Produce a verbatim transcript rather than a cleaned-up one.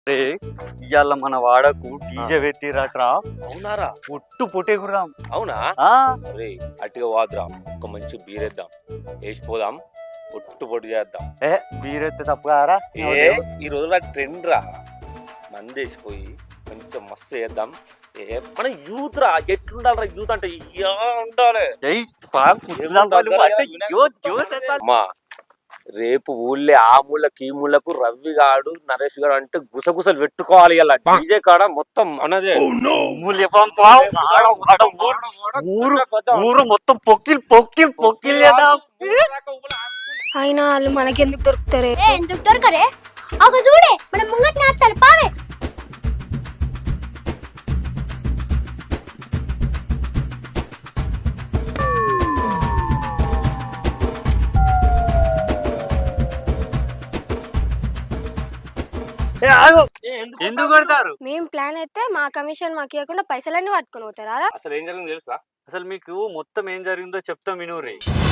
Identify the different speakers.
Speaker 1: రే ఇవాళ మన వాడకు డీజే పెట్టిరట్రా.
Speaker 2: అవునారా?
Speaker 1: పొట్టు పొట్టేకురాం.
Speaker 2: అవునా?
Speaker 1: ఆ
Speaker 2: రే అట్టిగా వాదురా, ఒక మంచి బీరేద్దాం, వేసిపోదాం, పొట్టు పొట్టు చేద్దాం.
Speaker 1: ఏ బీరెత్తే తప్పు కారా?
Speaker 2: ఏ ఈ రోజుల ట్రెండ్ రా, మంది వేసిపోయి కొంచెం మస్తు చేద్దాం. ఏ మన యూత్ రా, ఎట్లుండాలరా యూత్ అంటే ఇయ్యా ఉండాలి.
Speaker 1: ఏయ్ పాప కుట్లాంబాలు అంటే జో జోస్ ఎత్తాలి.
Speaker 2: అమ్మా రేపు ఊళ్ళే ఆ మూలకి ఈ మూలకు రవి గాడు నరేష్ గాడు అంటే గుసగుసలు పెట్టుకోవాలి. ఇలా డీజే కాడ మొత్తం మనదే.
Speaker 1: మూల్య పంపా ఆడ ఆడ ఊరు ఊరు ఊరు మొత్తం పొక్కిల్ పొక్కిల్ పొక్కిల్ చేద్దాం.
Speaker 3: అయినా వాళ్ళు మనకెందుకు దొరుకుతారే?
Speaker 4: ఏ ఎందుకు దొరకరే? ఒక చూడే మన ముంగట్ నాస్తాను పావే.
Speaker 1: ఎందుకు కొడతారు?
Speaker 3: మేం ప్లాన్ అయితే మా కమిషన్ మాకు ఇవ్వకుండా పైసలన్నీ పట్టుకొని పోతారా?
Speaker 2: అసలు ఏం జరిగింది తెలుసా?
Speaker 1: అసలు మీకు మొత్తం ఏం జరిగిందో చెప్తాం వినురే.